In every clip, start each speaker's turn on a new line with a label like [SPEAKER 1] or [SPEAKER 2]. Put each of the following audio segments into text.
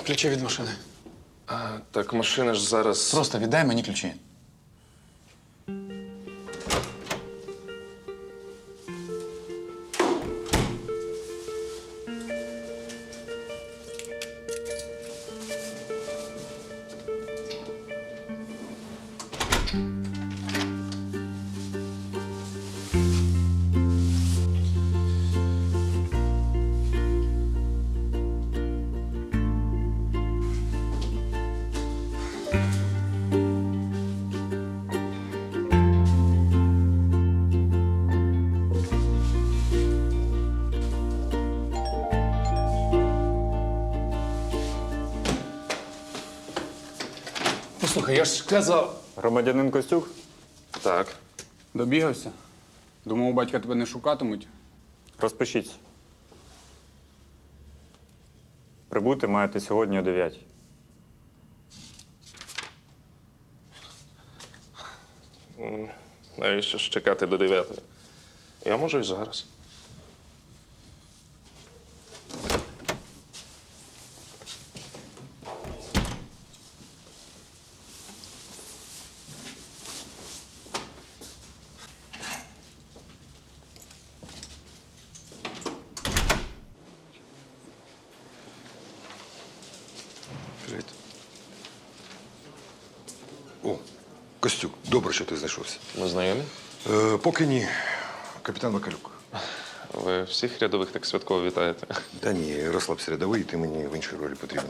[SPEAKER 1] ключі від машини.
[SPEAKER 2] Так машина ж зараз.
[SPEAKER 1] Просто віддай мені ключі. Послухай, я ж казав.
[SPEAKER 3] Громадянин Костюк?
[SPEAKER 2] Так.
[SPEAKER 4] Добігався? Думав, у батька тебе не шукатимуть.
[SPEAKER 3] Розпишіться. Прибути маєте сьогодні о 9.
[SPEAKER 2] Навіщо ж чекати до 9? Я можу і зараз.
[SPEAKER 5] Привіт. О, Костюк, добре, що ти знайшовся.
[SPEAKER 2] Ми знайомі?
[SPEAKER 5] Поки ні. Капітан Вакалюк.
[SPEAKER 2] Ви всіх рядових так святково вітаєте.
[SPEAKER 5] Та ні, розслабся рядовий, ти мені в іншій ролі потрібен.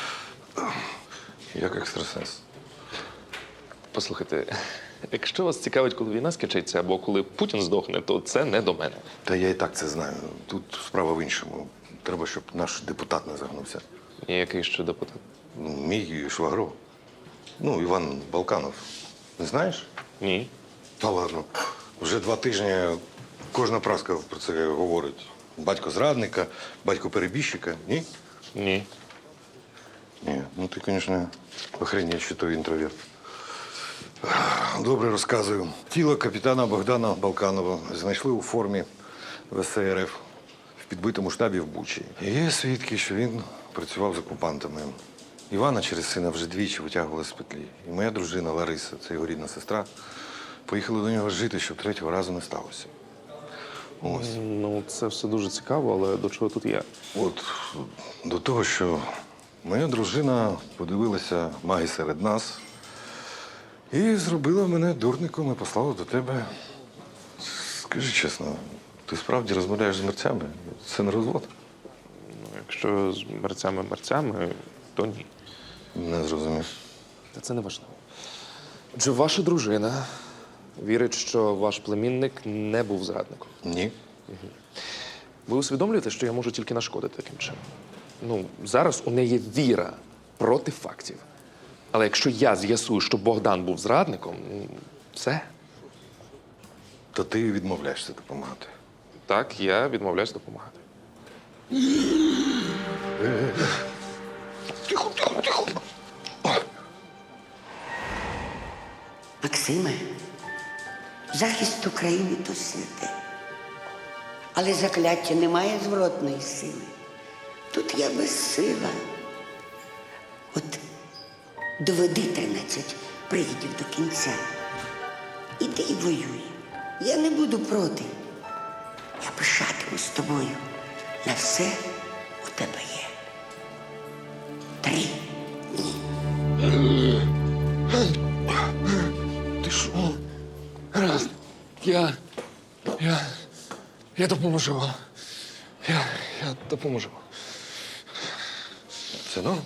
[SPEAKER 5] Як екстрасенс.
[SPEAKER 2] Послухайте, якщо вас цікавить, коли війна скінчиться або коли Путін здохне, то це не до мене.
[SPEAKER 5] Та я і так це знаю. Тут справа в іншому. Треба, щоб наш депутат не загнувся.
[SPEAKER 2] І який ще депутат?
[SPEAKER 5] Ну, мій швагро. Ну, Іван Балканов. Не знаєш?
[SPEAKER 2] Ні.
[SPEAKER 5] Та ладно. Вже 2 тижні кожна праска про це говорить. Батько зрадника, батько перебіжчика. Ні?
[SPEAKER 2] Ні.
[SPEAKER 5] Ні, ну ти, звісно, охренеть, що той інтроверт. Добре розказую. Тіло капітана Богдана Балканова знайшли у формі ВСРФ в підбитому штабі в Бучі. Є свідки, що він працював з окупантами. Івана через сина вже двічі витягували з петлі. І моя дружина Лариса, це його рідна сестра, поїхали до нього жити, щоб 3-го разу не сталося. Ось.
[SPEAKER 2] Ну, це все дуже цікаво, але до чого тут я?
[SPEAKER 5] От до того, що моя дружина подивилася маги серед нас і зробила мене дурником і послала до тебе. Скажи чесно, ти справді розмовляєш з мерцями? Це не розвод?
[SPEAKER 2] Ну, якщо з мерцями, то ні.
[SPEAKER 5] Не зрозумів.
[SPEAKER 2] Та це не важливо. Отже, ваша дружина вірить, що ваш племінник не був зрадником.
[SPEAKER 5] Ні.
[SPEAKER 2] Ви усвідомлюєте, що я можу тільки нашкодити таким чином? Ну, зараз у неї віра проти фактів. Але якщо я з'ясую, що Богдан був зрадником, все.
[SPEAKER 5] То ти відмовляєшся допомагати.
[SPEAKER 2] Так, я відмовляюсь допомагати.
[SPEAKER 5] Тихо, тихо, тихо.
[SPEAKER 6] Максиме, захист України то святе. Але закляття не має зворотної сили. Тут я безсила. От доведи 13 привідів до кінця. Іди і воюй. Я не буду проти. Я пишатимусь тобою. На все у тебе є. 3 дні.
[SPEAKER 1] Ти що? Гаразд. Я допоможу вам. Я допоможу.
[SPEAKER 5] Це норм?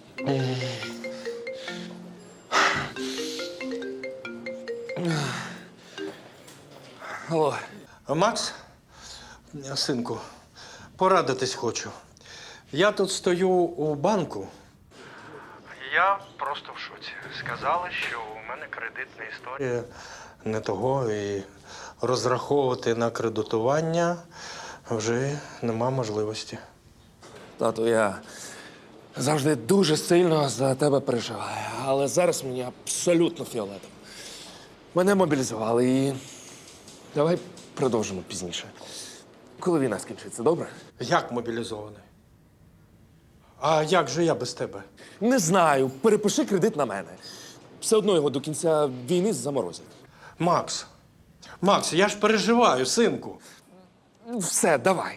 [SPEAKER 1] Алло.
[SPEAKER 7] Макс, синку, порадитись хочу. Я тут стою у банку. Я просто в шоці. Сказали, що у мене кредитна історія не того, і розраховувати на кредитування вже нема можливості.
[SPEAKER 1] Тату, я завжди дуже сильно за тебе переживаю, але зараз мені абсолютно фіолетово. Мене мобілізували і давай продовжимо пізніше. Коли війна скінчиться, добре?
[SPEAKER 7] Як мобілізований? А як же я без тебе?
[SPEAKER 1] Не знаю, перепиши кредит на мене. Все одно його до кінця війни заморозять.
[SPEAKER 7] Макс, я ж переживаю, синку.
[SPEAKER 1] Все, давай.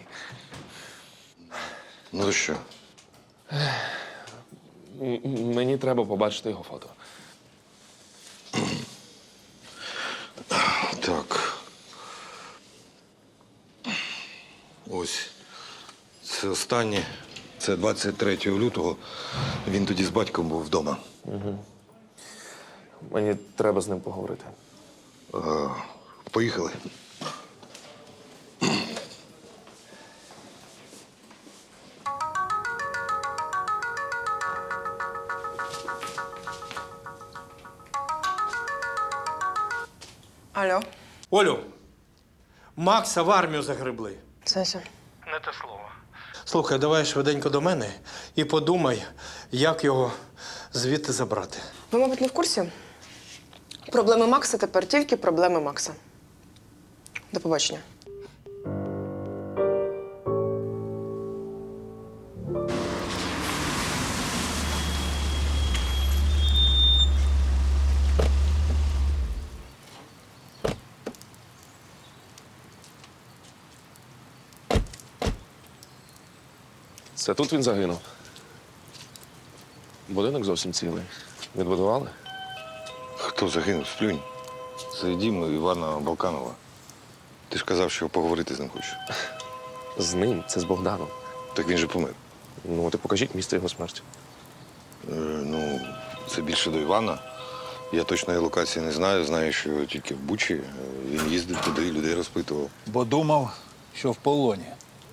[SPEAKER 5] Ну то що?
[SPEAKER 2] Мені треба побачити його фото.
[SPEAKER 5] Так. Ось. Це останнє. Це 23 лютого. Він тоді з батьком був вдома.
[SPEAKER 2] Мені треба з ним поговорити.
[SPEAKER 5] Поїхали.
[SPEAKER 8] Алло,
[SPEAKER 7] Олю, Макса в армію загребли.
[SPEAKER 8] Сеся.
[SPEAKER 7] Не те слово. Слухай, давай швиденько до мене і подумай, як його звідти забрати.
[SPEAKER 8] Ви, мабуть, не в курсі? Проблеми Макса тепер тільки проблеми Макса. До побачення.
[SPEAKER 2] Це тут він загинув. Будинок зовсім цілий. Відбудували?
[SPEAKER 5] Хто загинув? Сплюнь. Це дім Івана Балканова. Ти ж казав, що поговорити з ним хочеш.
[SPEAKER 2] З ним, це з Богданом.
[SPEAKER 5] Так він же помер.
[SPEAKER 2] Ну, от і покажіть місце його смерті.
[SPEAKER 5] Ну, це більше до Івана. Я точної локації не знаю. Знаю, що тільки в Бучі. Він їздив туди, людей розпитував.
[SPEAKER 9] Бо думав, що в полоні.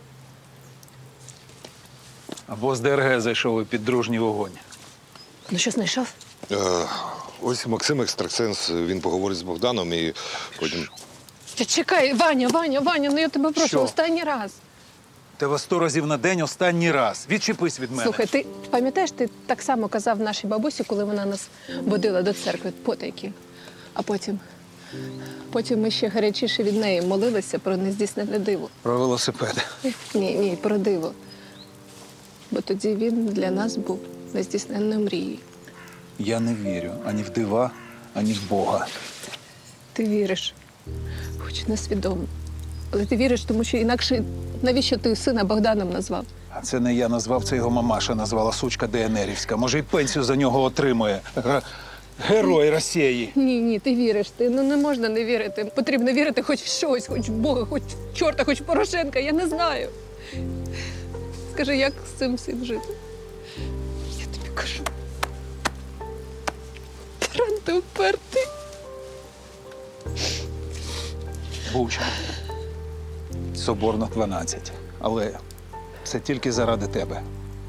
[SPEAKER 9] Або з ДРГ зайшов у піддружній вогонь.
[SPEAKER 8] Ну що, знайшов?
[SPEAKER 5] Ось Максим Екстрасенс, він поговорить з Богданом і потім.
[SPEAKER 10] Чекай, Ваня, ну я тебе прошу,
[SPEAKER 9] Що?
[SPEAKER 10] останній раз.
[SPEAKER 9] Тебе 100 разів на день останній раз. Відчепись від мене.
[SPEAKER 10] Слухай, ти пам'ятаєш, ти так само казав нашій бабусі, коли вона нас водила до церкви потайки. А потім ми ще гарячіше від неї молилися про нездійснене диво.
[SPEAKER 9] Про велосипед.
[SPEAKER 10] Ні, про диво. Бо тоді він для нас був нездійсненною мрією.
[SPEAKER 9] Я не вірю ані в дива, ані в Бога.
[SPEAKER 10] Ти віриш, хоч несвідомо. Але ти віриш, тому що інакше навіщо ти сина Богданом назвав?
[SPEAKER 9] А це не я назвав, це його мамаша назвала сучка ДНРівська. Може, й пенсію за нього отримує. Герой Росії.
[SPEAKER 10] Ні, ти віриш. Ну не можна не вірити. Потрібно вірити хоч в щось, хоч в Бога, хоч в чорта, хоч в Порошенка. Я не знаю. Скажи, як з цим всім жити? Я тобі кажу. Таран, ти впертий.
[SPEAKER 9] Буча. Соборно 12. Але це тільки заради тебе.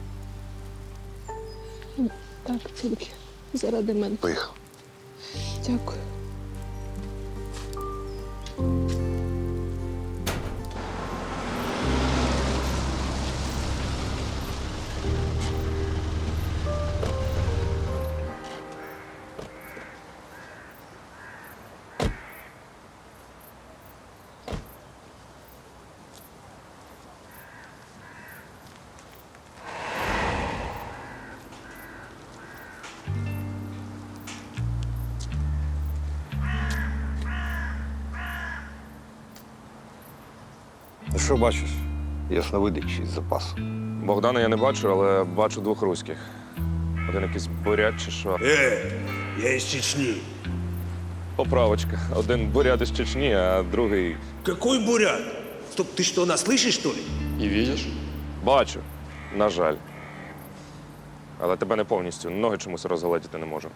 [SPEAKER 10] Так, тільки заради мене.
[SPEAKER 5] Поїхав.
[SPEAKER 10] Дякую.
[SPEAKER 5] Ну що бачиш? Ясновидяч із запасу.
[SPEAKER 2] Богдана я не бачу, але бачу двох руських. Один якийсь бурят чи що.
[SPEAKER 11] Я из Чечни.
[SPEAKER 2] Поправочка. Один бурят із Чечні, а другий.
[SPEAKER 11] Какой бурят? Стоп, ты что, нас слышишь, что ли?
[SPEAKER 2] І видиш? Бачу. На жаль. Але тебе не повністю. Ноги чомусь розгледіти не можу.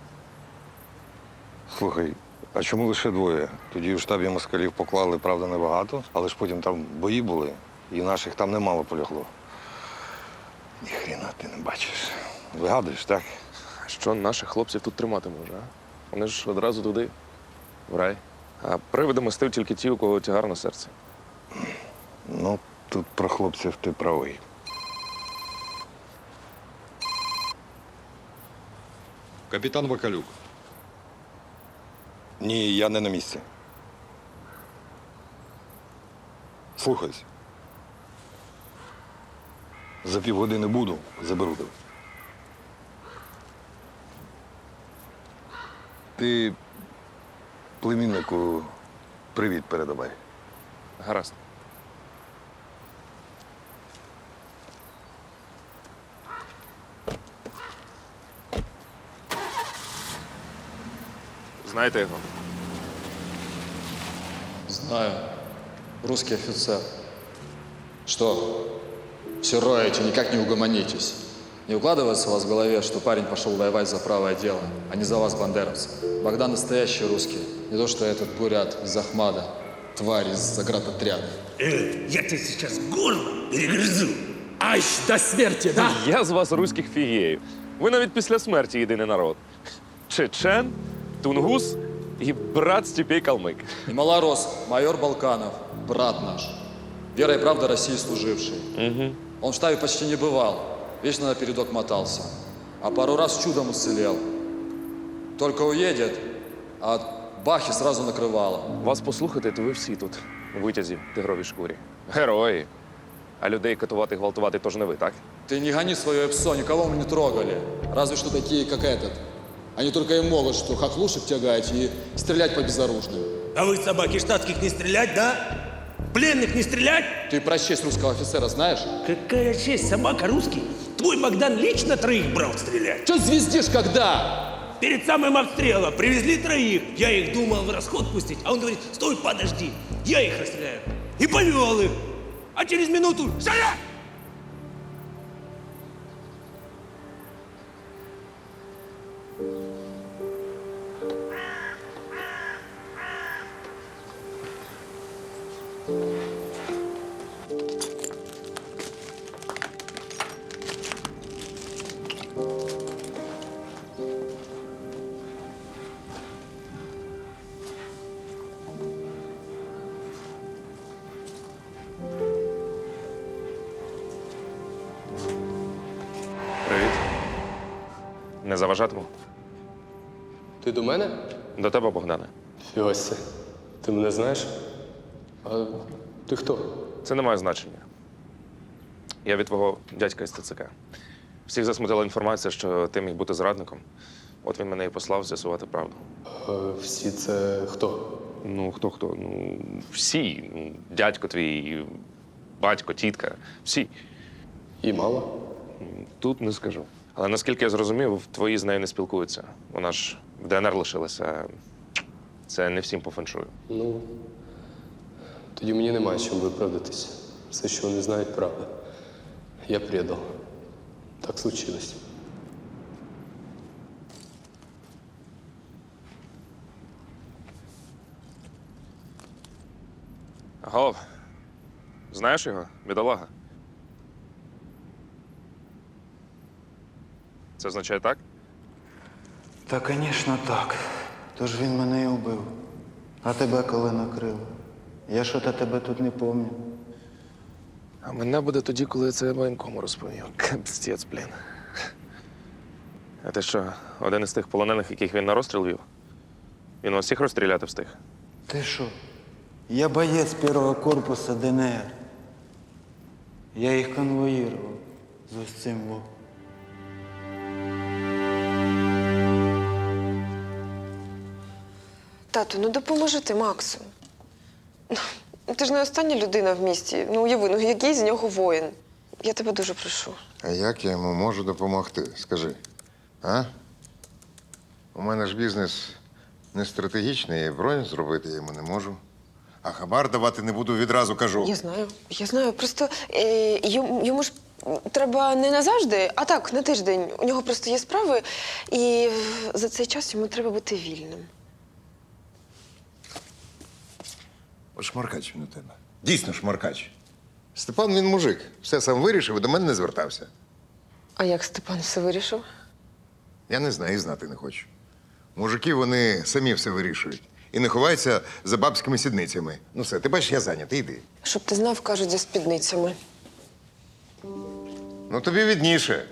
[SPEAKER 5] Слухай, а чому лише двоє? Тоді в штабі москалів поклали, правда, небагато, але ж потім там бої були, і наших там немало полягло. Ніхрена ти не бачиш. Вигадуєш, так?
[SPEAKER 2] Що наших хлопців тут тримати може, а? Вони ж одразу туди, в рай. А привидами стив тільки ті, у кого тягар на серці.
[SPEAKER 5] Ну, тут про хлопців ти правий. Капітан Вакалюк. Ні, я не на місці. Слухайся. За півгодини буду, заберу тебе. Ти племіннику привіт передавай.
[SPEAKER 2] Гаразд. Знаєте його?
[SPEAKER 12] Знаю. Русский офицер. Что? Все роете, никак не угомонитесь. Не укладывается у вас в голове, что парень пошел воевать за правое дело, а не за вас, бандеровцев. Богдан настоящий русский. Не то, что этот бурят из Ахмада, тварь из заградотряда.
[SPEAKER 11] Я тебе сейчас горло перегрызу. Аж до смерти, да?
[SPEAKER 2] Я з вас руських фігеїв. Ви навіть після смерті єдиний народ. Чечен, тунгус і брат Степей Калмик.
[SPEAKER 12] И малорос, майор Балканов, брат наш. Вера и правда России служивший. Он в штабе почти не бывал, вечно на передок мотался. А пару раз чудом уцелел. Только уедет, а от бахи сразу накрывало.
[SPEAKER 2] Вас послухати, то ви всі тут, у витязі, тигровій шкурі. Герої. А людей катувати, гвалтувати тож не ви, так?
[SPEAKER 12] Ты не гони свое псо, никого мы не трогали. Разве что такие, как этот. Они только и могут, что хохлушек тягать и стрелять по безоружным.
[SPEAKER 11] А вы, собаки штатских, не стрелять, да? Пленных не стрелять?
[SPEAKER 12] Ты про честь русского офицера знаешь?
[SPEAKER 11] Какая честь, собака русский. Твой Богдан лично троих брал стрелять.
[SPEAKER 12] Че звездишь когда?
[SPEAKER 11] Перед самым обстрелом привезли троих. Я их думал в расход пустить, а он говорит, стой, подожди, я их расстреляю. И повел их. А через минуту шаря!
[SPEAKER 2] Привіт. Не заважатиму?
[SPEAKER 13] Ти до мене?
[SPEAKER 2] До тебе, Богдане.
[SPEAKER 13] Фіося, ти мене знаєш? А ти хто?
[SPEAKER 2] Це не має значення. Я від твого дядька із ТЦК. Всіх засмутила інформація, що ти міг бути зрадником. От він мене і послав з'ясувати правду.
[SPEAKER 13] Всі це хто?
[SPEAKER 2] Ну, хто? Ну, всі. Ну, дядько твій, батько, тітка. Всі.
[SPEAKER 13] І мало?
[SPEAKER 2] Тут не скажу. Але наскільки я зрозумів, твої з нею не спілкуються. Вона ж в ДНР лишилася. Це не всім по феншую.
[SPEAKER 13] Ну, тоді мені немає чим виправдатись. Все, що вони знають, правда. Я предал. Так случилось.
[SPEAKER 2] Голов, знаєш його? Бідолага. Це означає так?
[SPEAKER 14] Та, звісно, так. Тож він мене і убив. А тебе коли накрило? Я що-то тебе тут не пам'ятаю.
[SPEAKER 2] А мене буде тоді, коли я це воєнкому розповів. Капстець, блін. А ти що, один із тих полонених, яких він на розстріл вів? Він вас всіх розстріляти встиг?
[SPEAKER 14] Ти що? Я боєць першого корпусу ДНР. Я їх конвоїрував з ось цим во.
[SPEAKER 8] Тату, ну допоможи ти Максу. Ти ж не остання людина в місті. Ну уяви, ну який з нього воїн. Я тебе дуже прошу.
[SPEAKER 15] А як я йому можу допомогти? Скажи. А? У мене ж бізнес не стратегічний, я бронь зробити я йому не можу. А хабар давати не буду, відразу кажу.
[SPEAKER 8] Я знаю. Просто йому ж треба не назавжди, а так, на тиждень. У нього просто є справи, і за цей час йому треба бути вільним.
[SPEAKER 15] От шмаркач він у тебе. Дійсно шмаркач. Степан, він мужик. Все сам вирішив і до мене не звертався.
[SPEAKER 8] А як Степан все вирішив?
[SPEAKER 15] Я не знаю і знати не хочу. Мужики, вони самі все вирішують. І не ховаються за бабськими сідницями. Ну все, ти бачиш, я зайнятий, йди.
[SPEAKER 8] Щоб ти знав, кажуть, за спідницями.
[SPEAKER 15] Ну тобі відніше.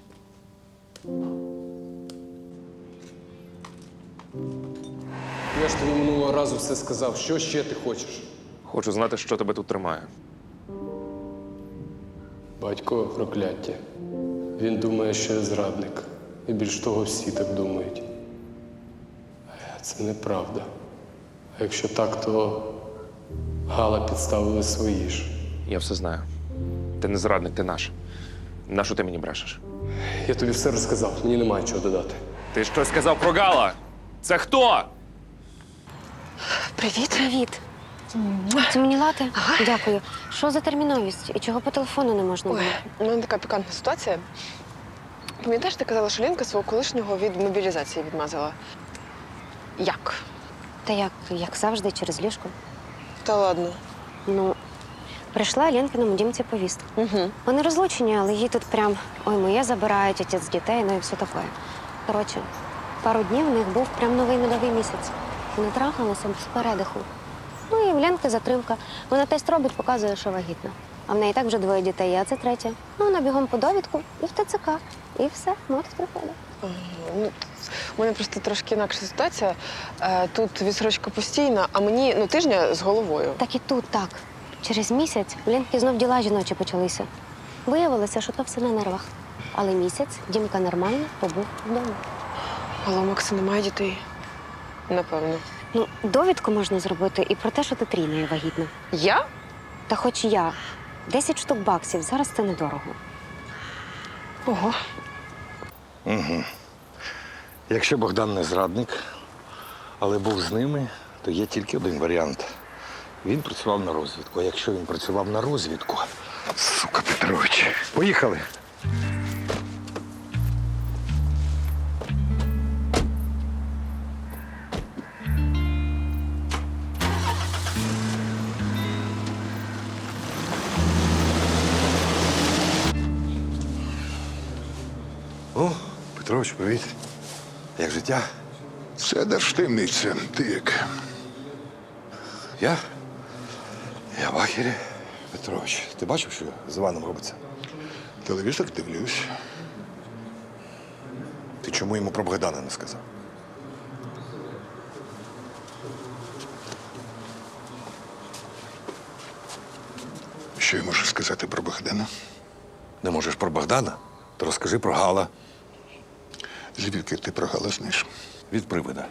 [SPEAKER 13] Я ж тобі минулого разу все сказав. Що ще ти хочеш?
[SPEAKER 2] Хочу знати, що тебе тут тримає.
[SPEAKER 13] Батько прокляття. Він думає, що я зрадник. І більш того, всі так думають. А це неправда. А якщо так, то Гала підставили свої ж.
[SPEAKER 2] Я все знаю. Ти не зрадник, ти наш. Нащо ти мені брешеш?
[SPEAKER 13] Я тобі все розказав, мені немає чого додати.
[SPEAKER 2] Ти щось сказав про Гала? Це хто?
[SPEAKER 8] Привіт.
[SPEAKER 16] Привіт. Це мені лати? Дякую. Що за терміновість? І чого по телефону не можна було?
[SPEAKER 8] У мене така пікантна ситуація. Пам'ятаєш, ти казала, що Ленка свого колишнього від мобілізації відмазала? Як?
[SPEAKER 16] Та як завжди, через ліжко.
[SPEAKER 8] Та ладно.
[SPEAKER 16] Ну, прийшла Ленкиному дімці повістка.
[SPEAKER 8] Угу.
[SPEAKER 16] Вони розлучені, але її тут прям ой, моє забирають, отець дітей, ну і все таке. Коротше, пару днів у них був прям новий медовий місяць. Вони трахалися без передиху. Ну і в Ленки затримка. Вона тест робить, показує, що вагітна. А в неї так вже 2 дітей, а це 3. Ну, вона бігом по довідку і в ТЦК. І все, мотив приходить.
[SPEAKER 8] Ну, у мене просто трошки інакша ситуація. Тут відсрочка постійна, а мені тижня з головою.
[SPEAKER 16] Так і тут так. Через місяць в Ленки знов діла жіночі почалися. Виявилося, що то все на нервах. Але місяць Дімка нормально побув вдома.
[SPEAKER 8] Але у Макса немає дітей. Напевно.
[SPEAKER 16] Ну, довідку можна зробити і про те, що ти трійною вагітна.
[SPEAKER 8] Я?
[SPEAKER 16] Та хоч я. 10 штук баксів. Зараз це недорого.
[SPEAKER 8] Ого.
[SPEAKER 5] Угу. Якщо Богдан не зрадник, але був з ними, то є тільки один варіант. Він працював на розвідку. А якщо він працював на розвідку, сука Петрович, поїхали. О, Петрович, привіт. Як життя?
[SPEAKER 17] Це держтаємниця. Ти як?
[SPEAKER 5] Я в ахері. Петрович, ти бачив, що з Іваном робиться?
[SPEAKER 17] Телевізор дивлюсь.
[SPEAKER 5] Ти чому йому про Богдана не сказав?
[SPEAKER 17] Що я можу сказати про Богдана?
[SPEAKER 5] Не можеш про Богдана? То розкажи про Гала.
[SPEAKER 17] Звідки ти про Гала знаєш?
[SPEAKER 5] Від привида.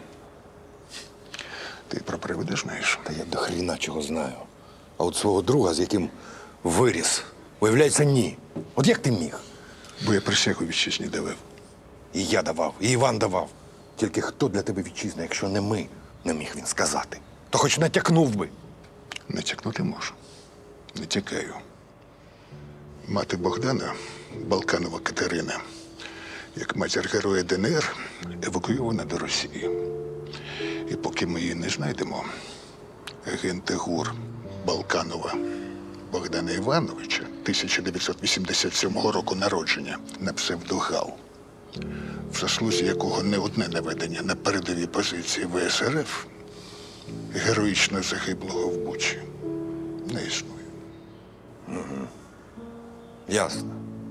[SPEAKER 17] Ти про привида знаєш?
[SPEAKER 5] Та я до хріна чого знаю. А от свого друга, з яким виріс, виявляється, ні. От як ти міг?
[SPEAKER 17] Бо я присягу вітчизні давав.
[SPEAKER 5] І я давав, і Іван давав. Тільки хто для тебе вітчизна, якщо не ми, не міг він сказати. То хоч натякнув би.
[SPEAKER 17] Натякнути можу. Не тікаю. Мати Богдана, Балканова Катерина, як матір героя ДНР, евакуйована до Росії. І поки ми її не знайдемо, агенти ГУР Балканова Богдана Івановича, 1987 року народження, на псевдогал, в заслузі якого не одне наведення на передовій позиції ВСРФ, героїчно загиблого в Бучі, не існує.
[SPEAKER 5] Угу. Ясно.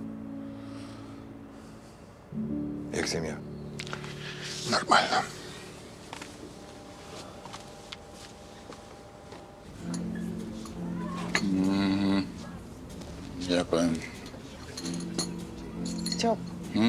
[SPEAKER 5] Як сім'я?
[SPEAKER 17] Нормально.
[SPEAKER 4] Дякую.
[SPEAKER 8] Стьоп,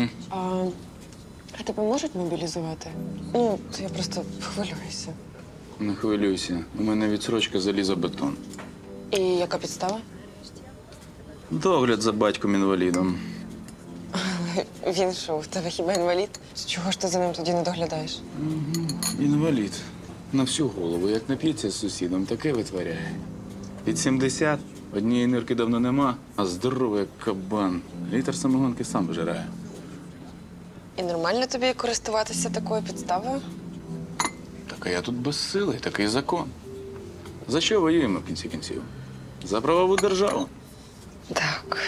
[SPEAKER 8] а тебе можуть мобілізувати? Я просто хвилююся.
[SPEAKER 4] Не хвилюйся. У мене відсрочка залізобетон.
[SPEAKER 8] І яка підстава?
[SPEAKER 4] Догляд за батьком-інвалідом.
[SPEAKER 8] Він що, у тебе хіба інвалід? Чого ж ти за ним тоді не доглядаєш?
[SPEAKER 4] Інвалід. На всю голову. Як нап'ється з сусідом, таке витворяє. Під 70, однієї нирки давно нема, а здоровий як кабан. Літр самогонки сам вижирає.
[SPEAKER 8] І нормально тобі користуватися такою підставою?
[SPEAKER 4] Так а я тут безсилий, такий закон. За що воюємо в кінці кінців? За правову державу.
[SPEAKER 8] Так.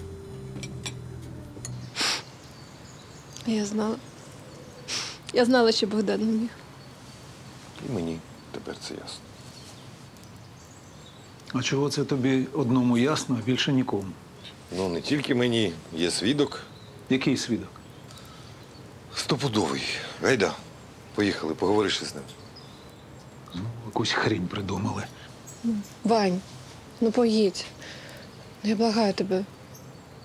[SPEAKER 10] Я знала. Я знала, що Богдан не міг.
[SPEAKER 5] І мені тепер це ясно.
[SPEAKER 9] А чого це тобі одному ясно, а більше нікому?
[SPEAKER 5] Ну, не тільки мені. Є свідок.
[SPEAKER 9] Який свідок?
[SPEAKER 5] Стопудовий. Гайда, поїхали, поговориш із ним.
[SPEAKER 9] Якусь хрінь придумали.
[SPEAKER 8] Вань, поїдь. Я благаю тебе.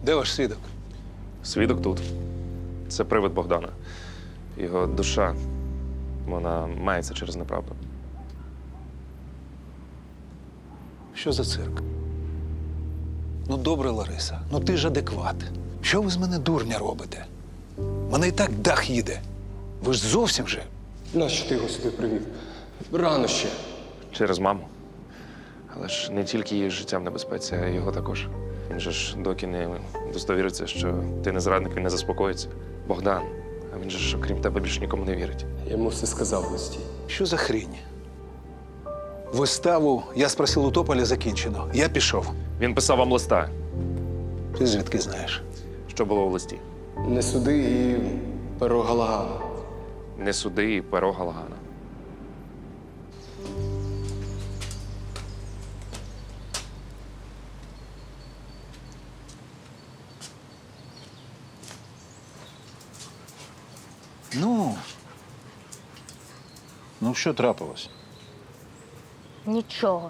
[SPEAKER 9] Де ваш свідок?
[SPEAKER 2] Свідок тут. Це привид Богдана. Його душа, вона мається через неправду.
[SPEAKER 9] Що за цирк? Ну, добре, Лариса, ну ти ж адекват. Що ви з мене дурня робите? Мене і так дах їде. Ви ж зовсім же.
[SPEAKER 13] Нащо ти його сюди привів? Рано ще.
[SPEAKER 2] Через маму. Але ж не тільки її життя в небезпеці, а й його також. Він же ж доки не достовіриться, що ти не зрадник, він не заспокоїться. Богдан, а він же ж, окрім тебе, більше нікому не вірить.
[SPEAKER 13] Я йому все сказав в листі.
[SPEAKER 9] Що за хрінь? Виставу «Я спросив у Тополя» закінчено. Я пішов.
[SPEAKER 2] Він писав вам листа.
[SPEAKER 9] Ти звідки знаєш?
[SPEAKER 2] Що було в листі?
[SPEAKER 13] Не суди і перо Галагана.
[SPEAKER 2] Не суди і перо Галагана.
[SPEAKER 9] Ну, що трапилось?
[SPEAKER 18] Нічого.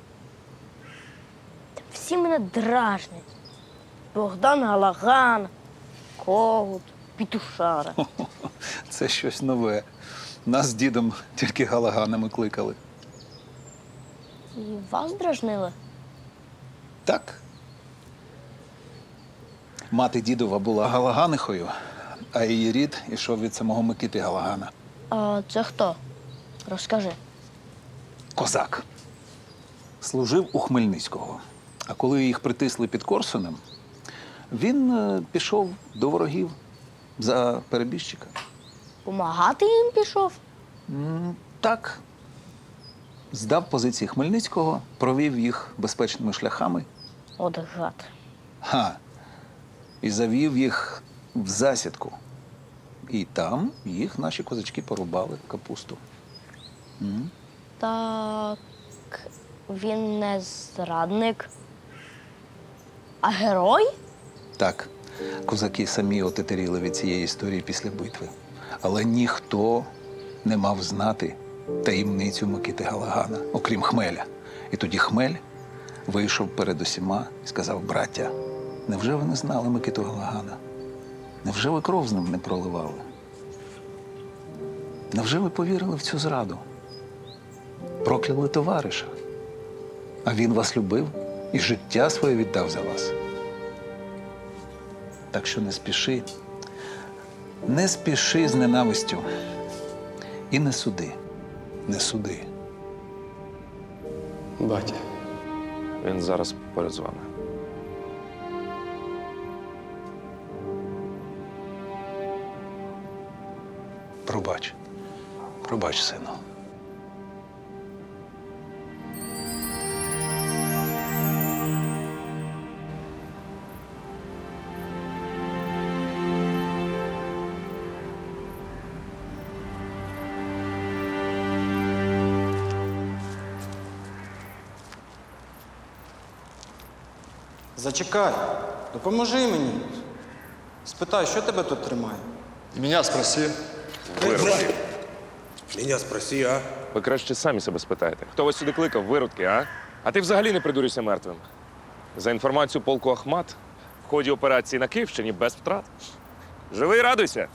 [SPEAKER 18] Та всі мене дражнять. Богдан Галаган, Когут, Пітушара.
[SPEAKER 9] Це щось нове. Нас з дідом тільки Галаганами кликали.
[SPEAKER 18] І вас дражнили?
[SPEAKER 9] Так. Мати дідова була Галаганихою, а її рід ішов від самого Микити Галагана.
[SPEAKER 18] А це хто? Розкажи.
[SPEAKER 9] Козак. Служив у Хмельницького. А коли їх притисли під Корсунем, він пішов до ворогів за перебіжчика.
[SPEAKER 18] Помагати їм пішов?
[SPEAKER 9] Так. Здав позиції Хмельницького, провів їх безпечними шляхами.
[SPEAKER 18] От гад.
[SPEAKER 9] І завів їх в засідку. І там їх наші козачки порубали капусту.
[SPEAKER 18] Так він не зрадник, а герой?
[SPEAKER 9] Так, козаки самі отетеріли від цієї історії після битви. Але ніхто не мав знати таємницю Микити Галагана, окрім Хмеля. І тоді Хмель вийшов перед усіма і сказав: браття, невже ви не знали Микиту Галагана? Невже ви кров з ним не проливали? Невже ви повірили в цю зраду? Прокляли товариша. А він вас любив і життя своє віддав за вас. Так що не спіши з ненавистю. І не суди, не суди.
[SPEAKER 13] Батя.
[SPEAKER 2] Він зараз поряд з вами.
[SPEAKER 9] Пробач. Пробач, сину.
[SPEAKER 14] Зачекай, допоможи мені. Спитай, що тебе тут тримає?
[SPEAKER 12] Меня спроси.
[SPEAKER 2] Виродки.
[SPEAKER 11] Мене спроси, а?
[SPEAKER 2] Ви краще самі себе спитаєте. Хто вас сюди кликав, виродки, а? А ти взагалі не придурюйся мертвим. За інформацією полку Ахмат, в ході операції на Київщині без втрат. Живий, радуйся.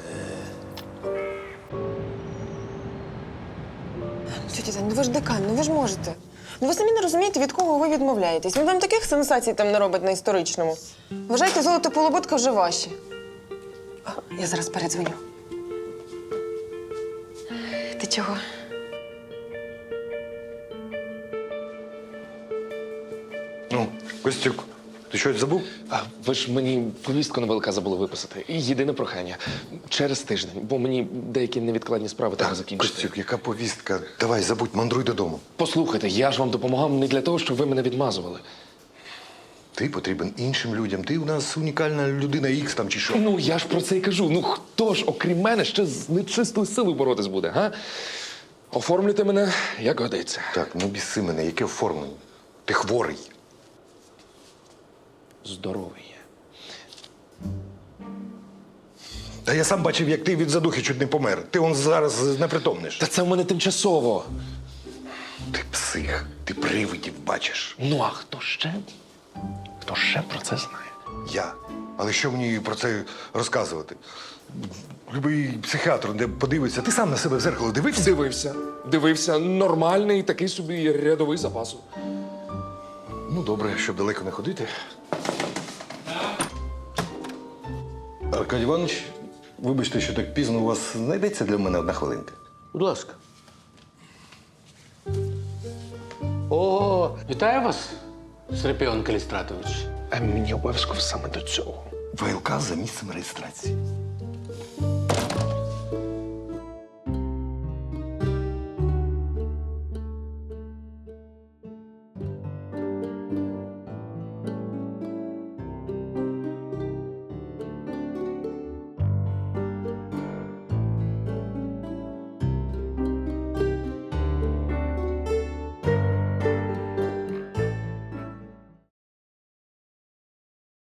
[SPEAKER 8] Тетя Тань, ну ви ж декан, ну ви ж можете. Ну ви самі не розумієте, від кого ви відмовляєтесь. Він вам таких сенсацій там не робить на історичному. Вважайте, золото полуботка вже ваші. Я зараз передзвоню. Ти чого?
[SPEAKER 5] Ну, Костюк, ти щось забув?
[SPEAKER 2] А ви ж мені повістку на ВЛК забули виписати. І єдине прохання. Через тиждень, бо мені деякі невідкладні справи треба закінчити.
[SPEAKER 5] Костюк, яка повістка? Давай, забудь, мандруй додому.
[SPEAKER 2] Послухайте, я ж вам допомагав не для того, щоб ви мене відмазували.
[SPEAKER 5] Ти потрібен іншим людям. Ти у нас унікальна людина Ікс там чи що.
[SPEAKER 2] Ну, я ж про це й кажу. Ну, хто ж, окрім мене, ще з нечистою силою боротись буде, га? Оформлюйте мене, як годиться.
[SPEAKER 5] Так, ну біси мене, яке оформлення? Ти хворий.
[SPEAKER 2] Здоровий є.
[SPEAKER 5] Та я сам бачив, як ти від задухи чуть не помер. Ти он зараз непритомниш.
[SPEAKER 2] Та це в мене тимчасово.
[SPEAKER 5] Ти псих, ти привидів бачиш.
[SPEAKER 2] Ну, а хто ще? Хто ще про це знає?
[SPEAKER 5] Я. Але що мені про це розказувати? Любий психіатр, де подивиться, ти сам на себе в зеркало дивився?
[SPEAKER 2] Дивився. Нормальний такий собі рядовий запасу.
[SPEAKER 5] Ну, добре, щоб далеко не ходити. Аркадій Іванович, вибачте, що так пізно, у вас знайдеться для мене одна хвилинка.
[SPEAKER 11] Будь ласка. О, вітаю вас, Серпіон Калістратович.
[SPEAKER 2] А мені обов'язково саме до цього.
[SPEAKER 5] ВЛК за місцем реєстрації.